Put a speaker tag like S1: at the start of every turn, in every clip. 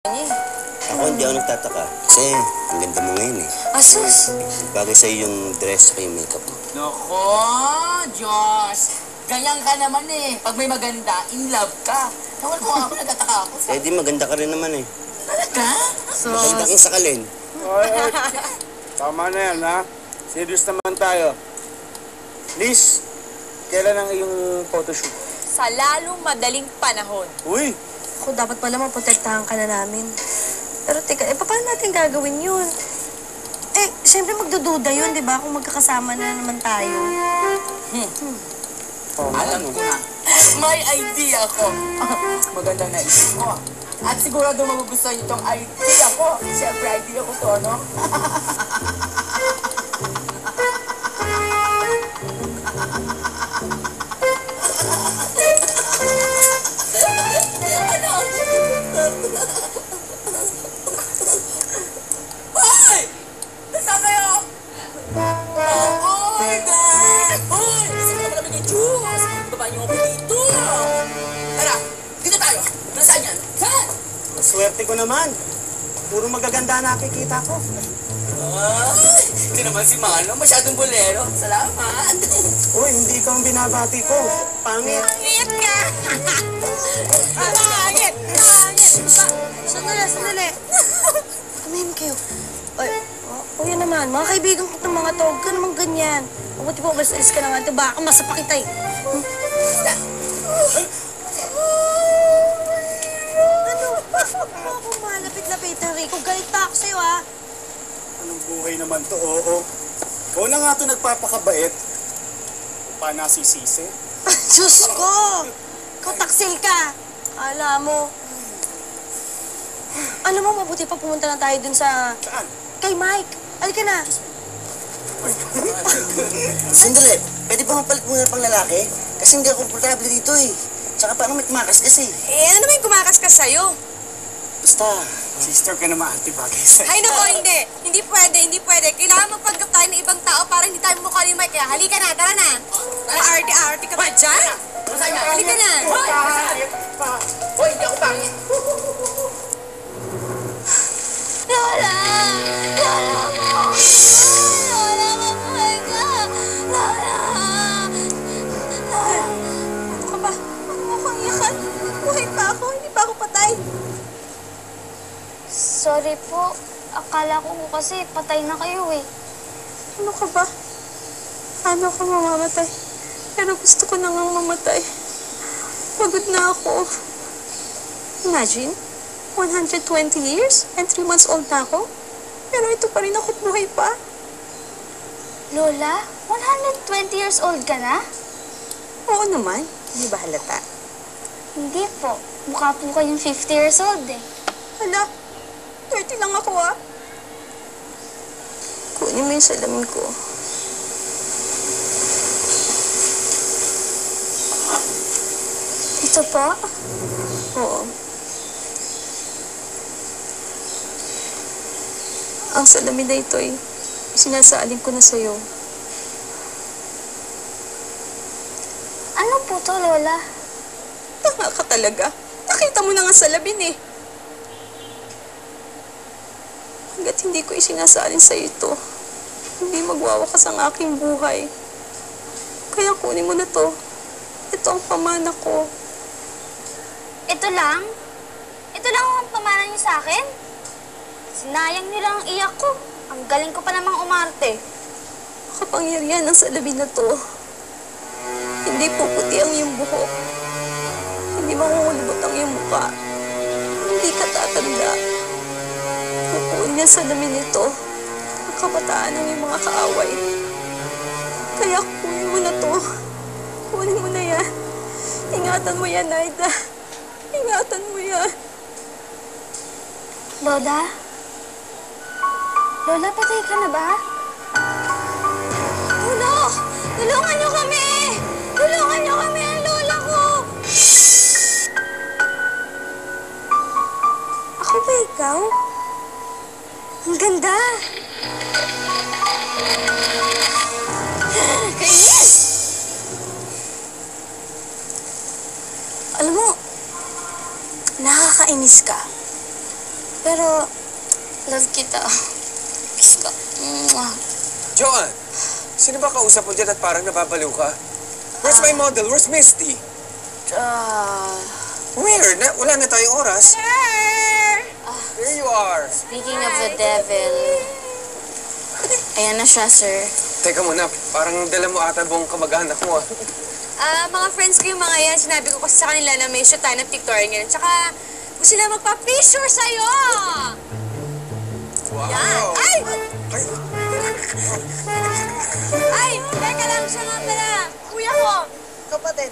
S1: niya.
S2: Ako hindi ako nagtataka. Kasi ang ganda mo ngayon eh.
S1: Asus!
S2: Bagay sa'yo yung dress at yung makeup mo.
S3: Nako, Diyos! Ganyan ka naman eh. Pag may maganda, in love ka. Nawal ko ako, nagtataka ako.
S2: Eh di maganda ka rin naman eh.
S3: Talaga?
S2: Maganda kang sakalin.
S4: Oy, tama na yan, ha? Serious naman tayo. Liz, kailan ang iyong photoshoot?
S1: Sa lalong madaling panahon.
S4: Uy!
S5: Ako, dapat pala maprotektahan ka na namin. Pero teka, paano natin gagawin yun? Eh, siyempre magdududa yun, di ba? Kung magkakasama na naman tayo.
S3: Alam ko na. May idea ko. Magandang naisip ko. At sigurado magugustuhan niyo itong idea ko. Siyempre, idea ko to, no? Hoy! Nasaan kayo? Oh my God! Hoy! Gusto ko na malamig ng juice! Ibaba niyo ako dito! Tara! Dito tayo! Nasaan yan? Saan?
S4: Swerte ko naman. Puro magaganda nakikita ko.
S3: Ay! Ito naman si Mano. Masyadong bolero. Salamat!
S4: Uy, hindi ikaw ang binabati ko. Pangit.
S1: Pangit ka! Pangit! Pangit!
S5: Sandali. Tumahim kayo. Ay, kuya naman, mga kaibigan ko itong mga to, huwag ka naman ganyan. Mabuti po, alis ka naman ito, baka masapa kita eh. Ano? Ako malapit-lapitan, Rico. Galit pa ako sa'yo, ha?
S4: Anong buhay naman to, oo. Ikaw na nga to nagpapakabait. Pa nasisisi.
S5: Diyos ko! Ikaw taksil ka. Kala mo. Alam mo, mabuti pa pumunta na tayo dun sa...
S4: Saan?
S5: Kay Mike. Halika na.
S2: Sandali, pwede ba mapalit mo na pang lalaki? Kasi hindi ako komportable dito eh. Tsaka paano may tumakas kasi?
S1: Eh, ano naman yung kumakaskas sa'yo?
S2: Basta,
S4: Sister ka naman, ate, bagay sa'yo.
S1: Ay, nako, hindi. Hindi pwede. Kailangan magpanggap tayo ng ibang tao para hindi tayo mukha ni Mike. Kaya halika na, tara na. Arte-arte ka ba dyan?
S3: Nasaan yan?
S1: Halika na.
S3: Hoy! Hoy, hindi ako pangit!
S5: Lola! Lola mo! Lola, mabuhay ka! Lola! Lola! Ano ka ba? Ano mo akong iyakan? Buhay pa ako, hindi pa ako patay.
S6: Sorry po. Akala ko kasi patay na kayo eh.
S5: Ano ka ba? Paano ako mamamatay? Pero gusto ko na ngang mamatay. Pagod na ako. Imagine, 120 years and 3 months old na ako. Pero ito pa rin ako buhay pa.
S6: Lola, 120 years old ka na?
S5: Oo naman. Hindi ba halata?
S6: Hindi po. Mukha po kayong 50 years old eh.
S5: Hala, 30 lang ako ah. Kunin mo yung salamin ko.
S6: Ito po?
S5: Oo. Ang salamin na ito ay sinasaling ko na sa'yo.
S6: Ano po to, Lola?
S5: Tanga ka talaga. Nakita mo na nga salamin eh. Hanggat hindi ko isinasalin sa'yo ito, hindi magwawakas ang aking buhay. Kaya kunin mo na to. Ito ang pamana ko.
S6: Ito lang? Ito lang ang pamana niyo sa akin? Sinayang niyo lang ang iyak ko. Ang galing ko pa namang umarte.
S5: Kapangyarihan ng salamin na to. Hindi puputi ang iyong buhok. Hindi mahuhulubot ang iyong mukha. Hindi ka tatanda. Pupuin niya sa salamin nito ang kabataan ng iyong mga kaaway. Kaya kunin mo na to. Kunin mo na yan. Ingatan mo yan, Naida. Ingatan mo yan.
S6: Lola? Lola, patay ka na ba?
S5: Tulong! Tulungan niyo kami! Tulungan niyo kami! Ang lola ko! Ako ba ikaw? Ang ganda! Kainis! Alam mo, nakakainis ka.
S6: Pero, love kita. Kiss ka. Mwah.
S7: Joanne, sino ba kausap mo dyan at parang nababaliw ka? Where's my model? Where's Misty? Where? Wala na tayong oras. There you are.
S6: Speaking of the devil, ayan na siya, sir.
S7: Teka muna, parang dala mo ata buong kamag-anak mo ah.
S1: Mga friends ko yung mga yan, sinabi ko kasi sa kanila na may shoot tayo ng pictorial ngayon. Tsaka, gusto nila magpa-picture sa'yo!
S7: Wow.
S1: Yan! Ay!
S7: Ay,
S1: Ay! Teka lang siya nga pala! Kuya ko!
S2: Kapatid,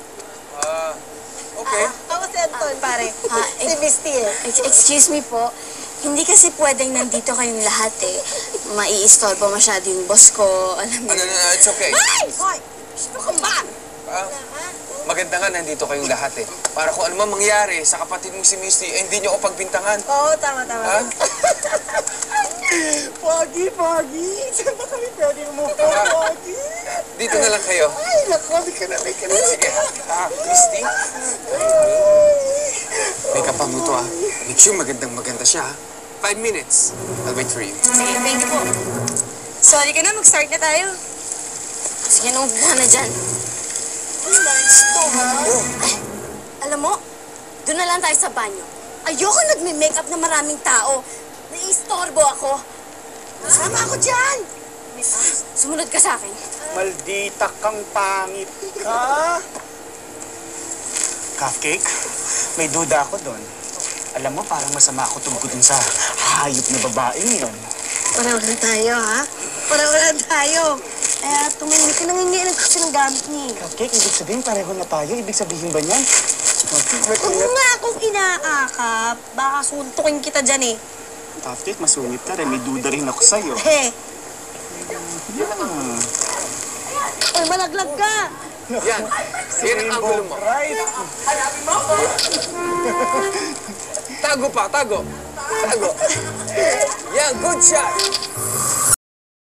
S7: okay.
S2: ako si Anton, pare. Si Misty eh.
S5: Excuse me po. Hindi kasi pwedeng nandito kayong lahat eh. Maiistorbo masyado yung boss ko. Alam mo.
S7: No, it's okay.
S1: Ay! Hoy! Gusto ka ba?
S7: Maganda nga nandito kayong lahat eh. Para kung ano man mangyari sa kapatid mo si Misty, eh, hindi niyo ako pagbintangan.
S2: Oo, tama.
S7: Ha?
S2: Pogi. Saan ba kami pwede umupo, Pogi?
S7: Dito na lang kayo.
S2: Ay, naku, di ka na.
S7: Sige. Misty? Make up mo to ah. Make sure magandang-maganda siya ha. 5 minutes. I'll wait for you.
S1: Sige, thank you po. Sorry ka na, mag-start na tayo.
S5: Sige, umupo ka na dyan. Alam mo, doon na lang tayo sa banyo. Ayoko nagme-makeup na maraming tao. Naiistorbo ako. Sama ako dyan! Sumunod ka sa akin.
S4: Maldita kang pangit ka. Cupcake, may duda ako doon. Alam mo, parang masama ako tungkol dun sa hayop na babaeng yun.
S5: Pareho lang tayo, ha? Pareho lang tayo. Kaya tumingin ko, nangingilan ko siya ng gamit niya.
S4: Cupcake, ibig sabihin pareho na tayo? Ibig sabihin ba niyan?
S5: Huwag mo nga akong inaakap. Baka suntukin kita dyan eh.
S4: Cupcake, masungit ka rin. May duda rin ako sa'yo.
S5: He. Ay, malaglag ka.
S7: Yan. Yan ang angulo mo.
S4: Right.
S7: Tago pa, tago. Yan, good shot.